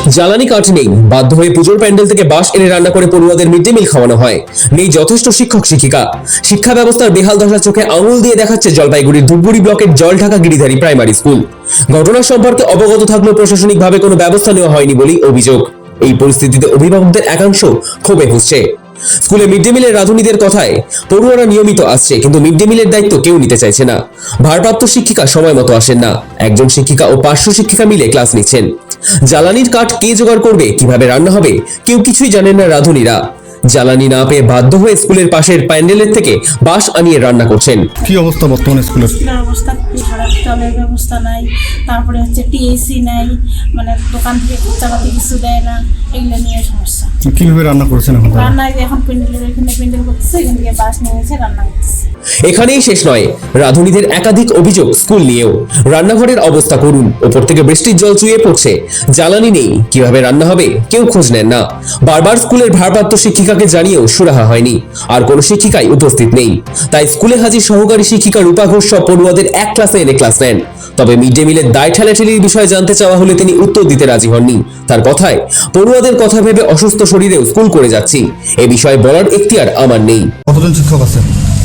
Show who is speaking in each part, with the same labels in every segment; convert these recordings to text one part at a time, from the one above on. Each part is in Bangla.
Speaker 1: জ্বালানি কাঠ নেই, বাধ্য হয়ে পুজোর প্যান্ডেল থেকে বাঁশ এনে রান্না করে পড়ুয়াদের মিড ডে মিল খাওয়ানো হয়। নেই যথেষ্ট শিক্ষক শিক্ষিকা। শিক্ষা ব্যবস্থার বেহাল দশা চোখে আঙুল দিয়ে দেখাচ্ছে জলপাইগুড়ির ধূপগুড়ি ব্লকের জলঢাকা গিরিধারী প্রাইমারি স্কুল। ঘটনা সম্পর্কে অবগত থাকলেও প্রশাসনিকভাবে কোনো ব্যবস্থা নেওয়া হয়নি বলেই অভিযোগ। এই পরিস্থিতিতে অভিভাবকদের একাংশ ক্ষোভে ফুঁসছে। স্কুলে মিড ডে মিলের রাঁধুনিদের কথায় পড়ুয়ারা নিয়মিত আসছে, কিন্তু মিড ডে মিলের দায়িত্ব কেউ নিতে চাইছে না। ভারপ্রাপ্ত শিক্ষিকা সময় মতো আসেন না। একজন শিক্ষিকা ও পার্শ্ব শিক্ষিকা মিলে ক্লাস নিচ্ছেন। জ্বালানির কাঠ কে জোগাড় করবে, কিভাবে রান্না হবে, কেউ কিছুই জানেন না রাঁধুনিরা। জ্বালানি না পেয়ে বাধ্য হয়ে স্কুলের পাশের প্যান্ডেলের থেকে বাঁশ আনিয়ে রান্না করছেন।
Speaker 2: কি অবস্থা বর্তমানে স্কুলের?
Speaker 3: অবস্থা খুবই খারাপ, জলের ব্যবস্থা নাই, তারপরে হচ্ছে টিএসি নাই, মানে দোকান থেকে খরচাপাতি কিছু দেয় না, এগুলো নিয়ে সমস্যা।
Speaker 2: কিভাবে রান্না করছেন এখন?
Speaker 3: রান্নায় এখন এখানে প্যান্ডেল করতেছে, এখান থেকে বাস নিয়ে এসে রান্না করতেছে।
Speaker 1: এখানেই শেষ নয়, রাঁধুনিদের একাধিক অভিযোগ স্কুল নিয়েও। রান্নাঘরের অবস্থা করুন, ওপর থেকে বৃষ্টির জল চুইয়ে পড়ছে, জ্বালানি নেই, কিভাবে রান্না হবে কেউ খোঁজ নেন না। বারবার স্কুলের ভারপ্রাপ্ত শিক্ষিকাকে জানিয়েও সুরাহা হয়নি, আর কোনো শিক্ষিকাই উপস্থিত নেই। তাই স্কুলে হাজির সহকারী শিক্ষিকা রূপা ঘোষ সব পড়ুয়াদের এক ক্লাসে এনে ক্লাস নেন। তবে মিড ডে মিলের দায় ঠেলাঠেলির বিষয়ে জানতে চাওয়া হলে তিনি উত্তর দিতে রাজি হননি। তার কথায়, পড়ুয়াদের কথা ভেবে অসুস্থ শরীরেও স্কুল করে যাচ্ছি, এ বিষয়ে বলার এখতিয়ার আমার নেই।
Speaker 2: কতজন শিক্ষক আছেন?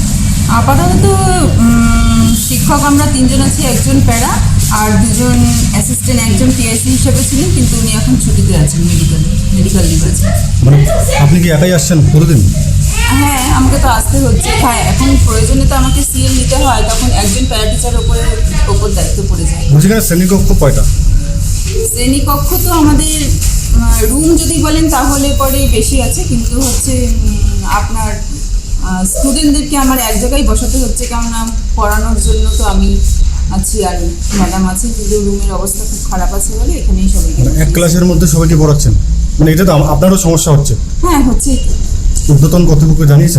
Speaker 4: আপাতত শিক্ষক আমরা 3 জন আছি, একজন প্যারা আর 2 জন অ্যাসিস্ট্যান্ট, একজন টিএসসি হিসেবে ছিলেন, কিন্তু উনি এখন ছুটিতে আছেন, মেডিকেল লিভ আছে।
Speaker 2: মানে আপনি কি একাই আসছেন প্রতিদিন?
Speaker 4: হ্যাঁ, আমাকে তো আসতে হচ্ছে। হ্যাঁ, এখন প্রয়োজনে তো আমাকে সিএল নিতে হয়, তখন একজন প্যারা টিচারের ওপর দায়িত্ব পড়ে যায়।
Speaker 2: সেখানে শ্রেণীকক্ষ কয়টা?
Speaker 4: শ্রেণীকক্ষ তো আমাদের রুম যদি বলেন তাহলে পরে বেশি আছে, কিন্তু হচ্ছে আপনার স্টুডেন্টদেরকে আমার এক জায়গায় বসাতে হচ্ছে, কেননা পড়ানোর জন্য তো আমি আছি আর ম্যাডাম আছে, কিন্তু রুমের অবস্থা খুব খারাপ আছে বলে এখানেই সবাইকে।
Speaker 2: এক ক্লাসের মধ্যে সবাইকে পড়াচ্ছেন, মানে এটা তো আপনারও সমস্যা হচ্ছে।
Speaker 4: হ্যাঁ, হচ্ছে।
Speaker 2: ঊর্ধ্বতন কর্তৃপক্ষ জানিয়েছেন?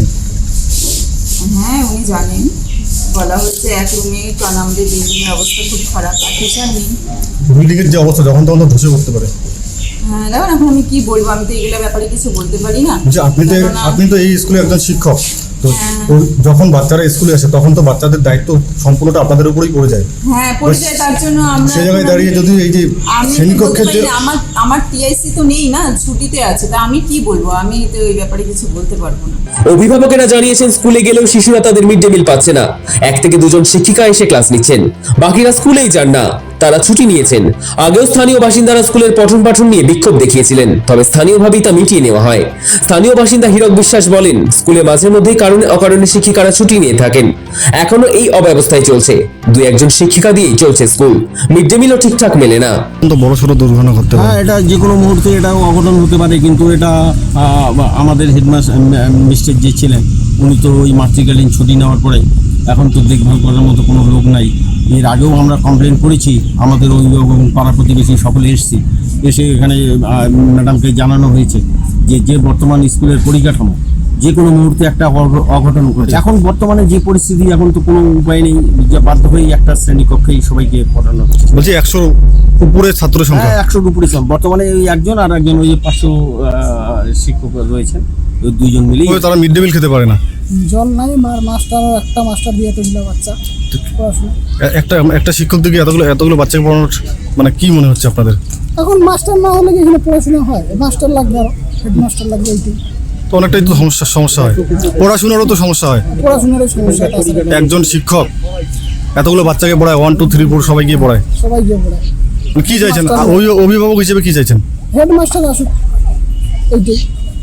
Speaker 4: হ্যাঁ, উনি জানেন, বলা হচ্ছে এক রুমে, কারণ আমাদের বিল্ডিংয়ের অবস্থা খুব খারাপ, আর টিচার নেই।
Speaker 2: বিল্ডিংয়ের যে অবস্থা যখন তখন ধসে পড়তে পারে।
Speaker 4: হ্যাঁ, দেখুন এখন আমি কি বলবো, আমি তো এগুলো ব্যাপারে কিছু বলতে পারি না।
Speaker 2: আপনি তো এই স্কুলে একজন শিক্ষক, তো যখন বাচ্চারা স্কুলে আসে তখন তো বাচ্চাদের দায়িত্ব সম্পূর্ণটা আপনাদের উপরেই পড়ে যায়।
Speaker 4: হ্যাঁ, পড়ে যায়। তার জন্য আমরা
Speaker 2: সেই জায়গায় দাঁড়িয়ে যদি এই যে শ্রেণীকক্ষের যে
Speaker 4: আমার টিআইসি তো নেই না, ছুটিতে আছে, তা আমি কি বলবো, আমি তো এই ব্যাপারে কিছু বলতে পারবো না।
Speaker 1: অভিভাবকেরা জানিয়েছেন স্কুলে গেলেও শিশুরা তাদের মিড ডে মিল পাচ্ছে না। 1 থেকে 2 জন শিক্ষিকা এসে ক্লাস নিচ্ছেন, বাকিরা স্কুলেই যান না, তারা ছুটি নিয়েছেন। আগেও স্থানীয় বাসিন্দারা স্কুলের পঠন পাঠন নিয়ে বিক্ষোভ দেখিয়েছিলেন, তবে স্থানীয়ভাবেই তা মিটিয়ে নেওয়া হয়। স্থানীয় বাসিন্দা হীরক বিশ্বাস বলেন, স্কুলে মাঝে মধ্যেই কারণে অকারণে শিক্ষিকারা ছুটি নিয়ে থাকেন। এখনো এই অব্যবস্থায় চলছে, 2-1 শিক্ষিকা দিয়েই চলছে স্কুল। মিড ডে মিলও ঠিকঠাক মেলে না।
Speaker 2: বড় সড়ো দুর্ঘটনা ঘটতে পারে।
Speaker 5: হ্যাঁ, এটা যে কোনো মুহূর্তে এটাও অঘটন হতে পারে, কিন্তু এটা আমাদের হেডমাস্টার যে ছিলেন উনি তো ওই মাতৃকালীন ছুটি নেওয়ার পরে এখন তো দেখভাল করার মতো কোনো লোক নাই। এর আগেও আমরা কমপ্লেন করেছি, আমাদের অভিভাবক এবং পাড়া প্রতিবেশী সকলে এসে এখানে ম্যাডামকে জানানো হয়েছে যে বর্তমান স্কুলের পরিকাঠামো যে কোনো মুহূর্তে একটা অঘটন ঘটে। এখন বর্তমানে যে পরিস্থিতি, এখন তো কোনো উপায় নেই, বাধ্য হয়েই একটা শ্রেণীকক্ষেই সবাইকে পড়ানো হচ্ছে।
Speaker 2: বলছি 100 উপরে ছাত্র সংখ্যা?
Speaker 5: হ্যাঁ, 100 উপরে বর্তমানে ওই একজন আর একজন ওই যে 500 শিক্ষক রয়েছেন, ওই 2 জন মিলেই।
Speaker 2: তারা মিড ডে মিল খেতে পারে না,
Speaker 6: জল নাই, একটা মাস্টার দিয়ে এতগুলো বাচ্চা পড়াশোনা।
Speaker 2: একটা শিক্ষক দিকে এতগুলো বাচ্চাকে পড়ানোর মানে কি মনে হচ্ছে আপনাদের?
Speaker 6: এখন মাস্টার না হলে কি এখানে পড়াশোনা হয়? মাস্টার লাগবে, আর হেডমাস্টার লাগবে, এইটাই
Speaker 2: তো অনেকটাই তো সমস্যা হয়, পড়াশোনারও তো সমস্যা হয়।
Speaker 6: পড়াশোনারও সমস্যা।
Speaker 2: একজন শিক্ষক এতগুলো বাচ্চাকে পড়ায়, 1 2 3 4 সবাই গিয়ে পড়ায়। কি চাইছেন অভিভাবক হিসেবে, কি চাইছেন?
Speaker 6: হেডমাস্টার আসুক, এইটাই,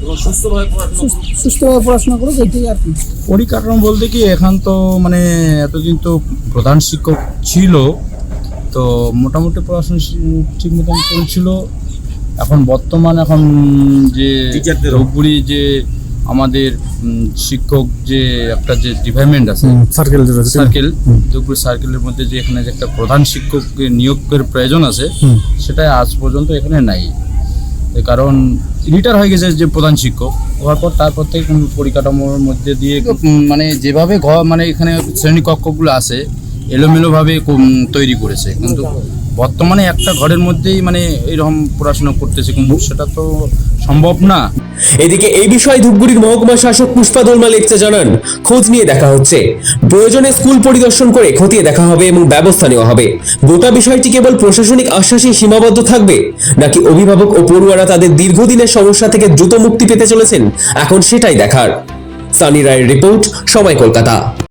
Speaker 6: সুস্থভাবে পড়াশোনা করুক, এইটাই আর কি।
Speaker 7: পরিকাঠামো বলতে কি, এখন তো মানে এতদিন তো প্রধান শিক্ষক ছিল, তো মোটামুটি পড়াশোনা ঠিক মতন চলছিল। এখন বর্তমান যে ধূপগুড়ি যে আমাদের শিক্ষক যে একটা যে ডিপার্টমেন্ট আছে, সার্কেল ধূপগুড়ি সার্কেলের মধ্যে যে এখানে যে একটা প্রধান শিক্ষককে নিয়োগের প্রয়োজন আছে, সেটা আজ পর্যন্ত এখানে নাই। কারণ রিটায়ার হয়ে গেছে যে প্রধান শিক্ষক, হওয়ার পর তারপর থেকে পরিকাঠামোর মধ্যে দিয়ে মানে যেভাবে মানে এখানে শ্রেণীকক্ষগুলো আছে এলোমেলোভাবে তৈরি করেছে, কিন্তু বর্তমানে একটা ঘরের মধ্যেই মানে এরকম পড়াশোনা করতেছে, কিন্তু সেটা তো সম্ভব না।
Speaker 1: এদিকে এই বিষয়ে ধূপগুড়ির মহকুমা শাসক পুষ্পা দোলমা লেপচা জানান, খোঁজ নিয়ে দেখা হচ্ছে, প্রয়োজনে স্কুল পরিদর্শন করে খতিয়ে দেখা হবে এবং ব্যবস্থা নেওয়া হবে। গোটা বিষয়টি কেবল প্রশাসনিক আশ্বাসেই সীমাবদ্ধ থাকবে নাকি অভিভাবক ও পড়ুয়ারা তাদের দীর্ঘদিনের সমস্যা থেকে দ্রুত মুক্তি পেতে চলেছেন, এখন সেটাই দেখার। সানি রায়ের রিপোর্ট, সময় কলকাতা।